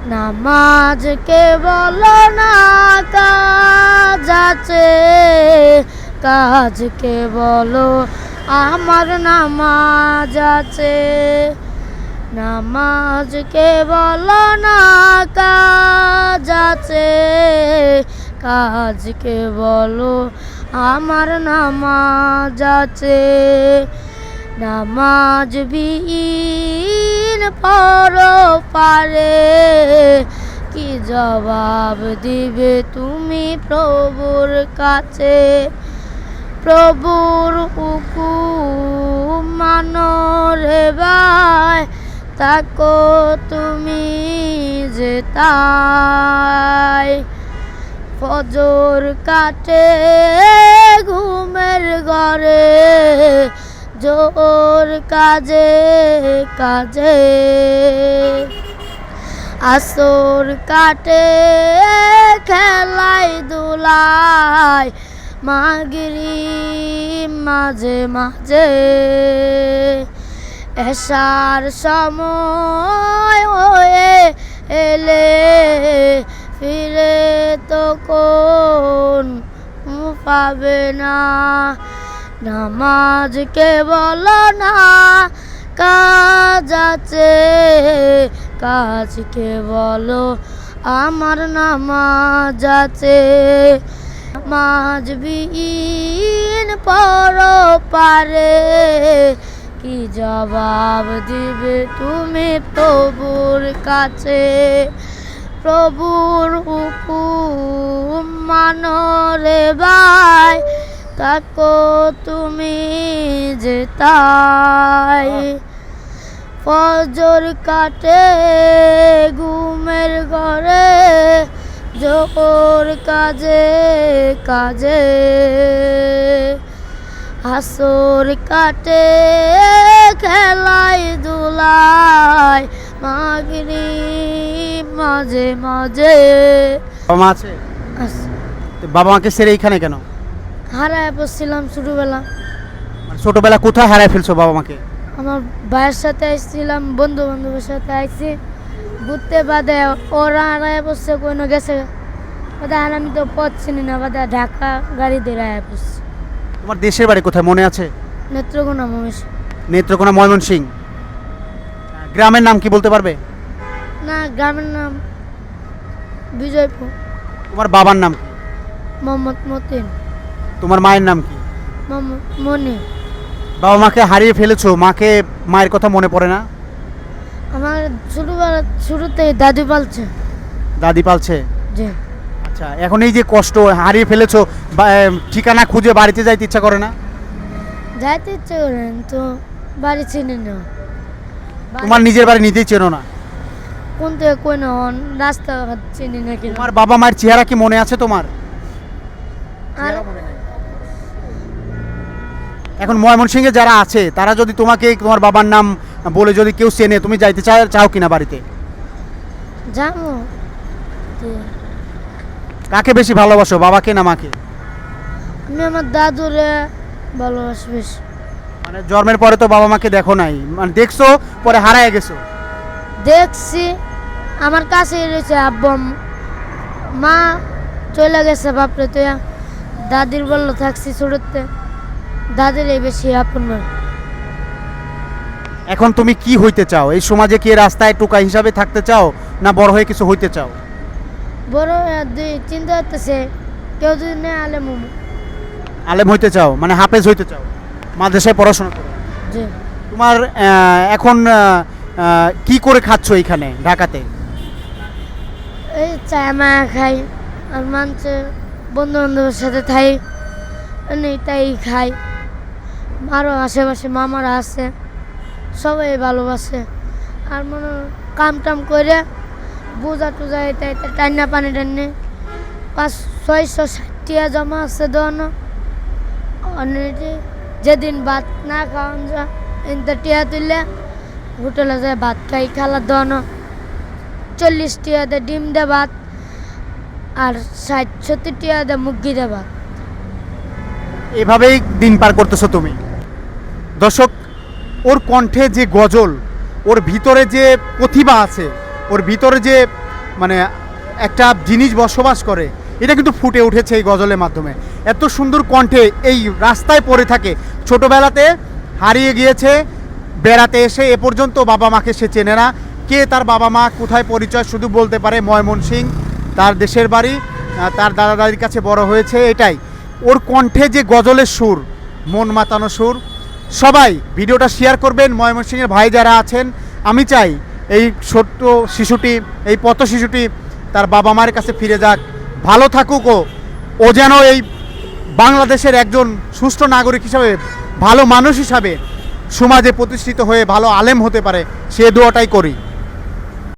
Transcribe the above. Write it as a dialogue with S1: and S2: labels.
S1: নামাজকে বলো না কাজ আছে, কাজকে বলো আমার নামাজ আছে। নামাজকে বলো না কাজ আছে, কাজকে বলো আমার নামাজ আছে। নামাজ বিহীন পরপারে কি জবাব দিবে তুমি প্রভুর কাছে। প্রভুর হুকুম মানো রে ভাই, তাকো তুমি যে তাই। ফজর কাটে ঘুমের ঘরে, জোর কাজে কাজে। আসর কাটে খেলাই দুলাই, মাগরিব মাঝে মাঝে। এশার সময় হয়ে এলে ফিরে তো কোন পাবে না। নামাজকে বলো না কাজ আছে, কাজকে বলো আমার নামাজ আছে। নামাজ বিহীন পরপারে কি জবাব দিবে তুমি প্রভুর কাছে। প্রভুর হুকুম মানো রে ভাই, তাকো তুমি যে তাই। ফজর কাটে ঘুমের ঘরে, জোর কাজে কাজে। আসর কাটে খেলাই দুলাই, মাগরিব মাঝে মাঝে।
S2: বাবা মা আছে? তো বাবা মাকে ছেড়ে এইখানে কেন?
S1: হারায় পড়ছিলাম ছোটবেলা।
S2: মানে ছোটবেলা কোথায় হারায় ফেলছো বাবা মাকে?
S1: আমার ভাইয়ের সাথে আসছিলাম, বন্ধু বান্ধবের সাথে আইছি ঘুরতে, বাদে ওরা হারায় পড়ছে, কোনো গেছে বাদে। আর আমি তো পথ চিনি না, বাদে ঢাকা গাড়ি দিয়ে হারায় পড়ছি।
S2: তোমার দেশের বাড়ি কোথায় মনে আছে?
S1: নেত্রকোনা মহেশ।
S2: নেত্রকোনা ময়মনসিংহ। গ্রামের নাম কি বলতে পারবে?
S1: না, গ্রামের নাম বিজয়পুর।
S2: তোমার বাবার নাম কি?
S1: মোহাম্মদ মতিন।
S2: তোমার মায়ের নাম কি?
S1: মোহাম্মদ মনি।
S2: বাবা মাকে হারিয়ে ফেলেছো, মাকে মায়ের কথা মনে পড়ে না?
S1: আমার ছোটবেলা শুরুতেই দাদু পালছে।
S2: দাদি পালছে?
S1: জি।
S2: আচ্ছা, এখন এই যে কষ্ট হারিয়ে ফেলেছো, ঠিকানা খুঁজে বাড়িতে যাইতে ইচ্ছা করে না?
S1: যাইতে ইচ্ছে করেন তো, বাড়ি চিনি না।
S2: তোমার নিজের বাড়ি নিজেই চেনো না?
S1: কোন থেকে কোন রাস্তা চিনি না কি।
S2: তোমার বাবা মায়ের চেহারা কি মনে আছে তোমার?
S1: আর
S2: এখন ময়মনসিংহে যারা আছে তারা যদি তোমাকে তোমার বাবার নাম বলে যদি কেউ চেনে, তুমি যাইতে চাও কিনা বাড়িতে?
S1: যাবো।
S2: কাকে বেশি ভালোবাসো, বাবাকে না মাকে?
S1: আমি আমার দাদুরে ভালোবাসি বেশি।
S2: মানে জন্মের পরে তো বাবা মাকে দেখো নাই, মানে দেখছো পরে হারায় গেছো?
S1: দেখছি, আমার কাছে রয়েছে আব্বু মা চলে গেছে বাপরে, তো দাদির বললো থাকছি ছোটতে, দাদির এই বেশি আপন নয়।
S2: এখন তুমি কি হইতে চাও? এই সমাজে কি রাস্তায় টোকা হিসাবে থাকতে চাও, না বড় হয়ে কিছু হইতে চাও?
S1: বড় দুই চিন্তা করতেছে, কেউ যদি নেই আলেম।
S2: আলেম হইতে চাও, মানে হাফেজ হইতে চাও, মাদ্রাসায় পড়াশোনা করো।
S1: জি।
S2: তোমার এখন কি করে খাচ্ছ এইখানে ঢাকাতে?
S1: এই চা মায়া খাই, আর মানছে বন্ধু বান্ধবের সাথে থাই, তাই খাই। আরও আশেপাশে মামারা আছে, সবাই ভালোবাসে। আর মনে কাম টাম করে বোঝা টোজা এটা এটা টান্না পানি টান্নে 500-660 জমা আছে দোনো। যেদিন ভাত না খাওয়ান যা ইনতে টিয়া তুললে হোটেলে যায় ভাত খাই, খালা দোনো 40 টিয়া দে ডিম দে ভাত, আর 60-70 টিয়া দে মুরগি দে ভাত।
S2: এভাবেই দিন পার করতেছো তুমি। দর্শক, ওর কণ্ঠে যে গজল, ওর ভিতরে যে প্রতিভা আছে, ওর ভিতরে যে মানে একটা জিনিস বসবাস করে, এটা কিন্তু ফুটে উঠেছে এই গজলের মাধ্যমে। এত সুন্দর কণ্ঠে এই রাস্তায় পড়ে থাকে, ছোটোবেলাতে হারিয়ে গিয়েছে, বেড়াতে এসে এ পর্যন্ত বাবা মাকে সে চেনে না, কে তার বাবা মা কোথায় পরিচয় শুধু বলতে পারে ময়মনসিংহ তার দেশের বাড়ি, তার দাদা দাদির কাছে বড় হয়েছে, এটাই। ওর কণ্ঠে যে গজলের সুর, মন মাতানো সুর। সবাই ভিডিওটা শেয়ার করবেন, ময়মনসিংহের ভাই যারা আছেন। আমি চাই এই ছোট্ট শিশুটি, এই পথ শিশুটি তার বাবা মায়ের কাছে ফিরে যাক, ভালো থাকুক। ও যেন এই বাংলাদেশের একজন সুষ্ঠু নাগরিক হিসাবে, ভালো মানুষ হিসাবে সমাজে প্রতিষ্ঠিত হয়ে ভালো আলেম হতে পারে, সে দোয়াটাই করি।